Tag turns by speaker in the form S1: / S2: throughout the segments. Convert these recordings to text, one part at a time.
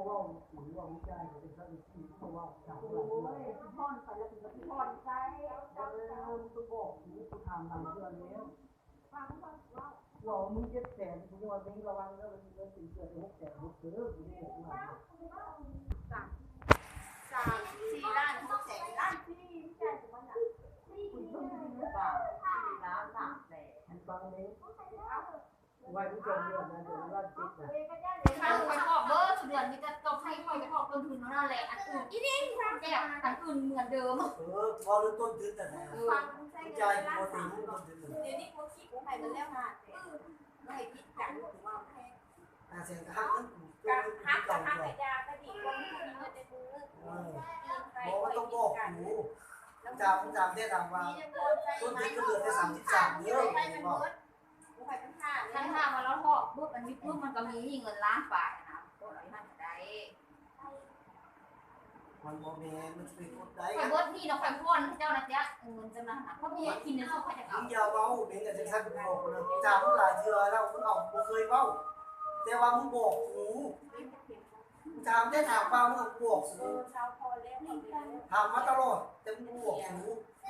S1: ว่าหรือว่าวิจัยเขาเป็นสัตว์ที่เพราะว่าถาม
S2: โอ้
S1: ว่า
S2: ยพ่อนไปแล้วถึงจะพ่อนใจ
S1: ตัวบอกนี่กูทำตามเพื่อนแล้วหล่อมึง700,000กูว่าเบงระวังแล้วมันเงินตีเกิด600,000หกเด้อกูนี่กูว่า
S2: 3-4 ล้าน 600,000 ล้านที่ใจของมันอ่ะคุณต้องมีหรือเปล่า4 ล้าน 300,000
S1: มันฟังนี้ไว้ผู้ชมเรื่องนะเดี๋ยวว่าจิตนะ
S3: ถ้าไปขอบเบอร์เดือนนี้จะตกให้คอยไปขอบต้นทุนนั่นแหละอันอื่นอีนี่แก้อันอื่นเหมือนเดิม
S1: พอรู้ต้นทุนแต่ไหนใจปกติต้นทุน
S2: เดี๋ยวนี้พวกขี้กูให้มันแล้วค่ะไม่ให้คิดกันถึงว่าแค่
S1: เสียงหักนั่น
S2: การหักกับหักกระยาก็ดีกว่ามีเงินในมือ
S1: บอกว่าต้องบอกหูจำได้ตามว่าต้นทุนก็เหลือแค่33เยอะบอก
S3: ท่านถ้ามาแล้วพอปุ๊บอันนี้ปุ๊บมันก็มีเงินล้านบาทนะตัวไหนท่านจะได้
S1: มันโมเมนต์มันเป็นคนใด
S3: คอยเบิร์ดนี่เราคอยพ่นเจ้านะจ๊ะเงินจำนำนะเพราะพี่กินในโลกใครจะเอา
S1: มึงอย่าเว้าเป็นกับจังซั่นบอกเลยจำหลายเทื่อแล้วมึงเอาบ่เคยเว้าแต่ว่ามึงบอกหูจำได้ถามว่ามึงบอกหูถามมาตลอดแต่มึงบอกหู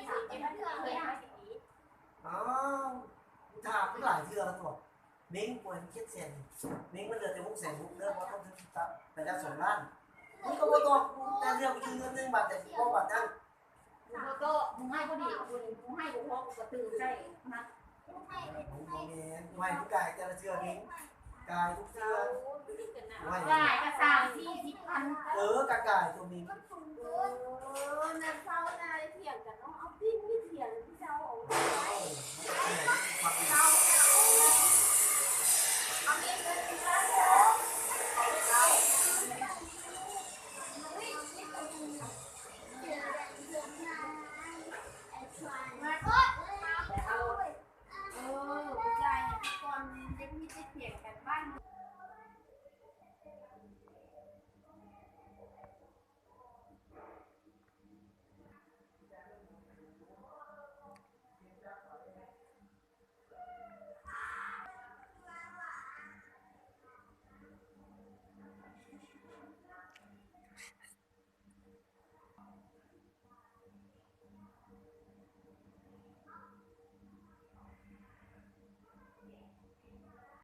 S1: อ้าวถามหลายเทื่อแล้วตัวเม้งป่วยเครียดแสนเม้งมันเหลือแต่600,000เด้อเพราะต้องถึงไปแล้ว2 ล้านมึงก็บ่ตอบกูแต่เรื่องกูยืมเงิน1 บาทแต่กูบ่บาทนั้น
S3: กูก็มึงให้ก็ดีกูให้กูพอกูกระตือใช่นะ
S1: โมเมนต์ไม่ทุกกายแต่ละเทื่อเม้งกายทุกเทื่อไม่
S3: ได้กระสาม40,000
S1: กะกายตัวเม้ง
S2: นั่นเศร้าได้เถียงกันเนาะ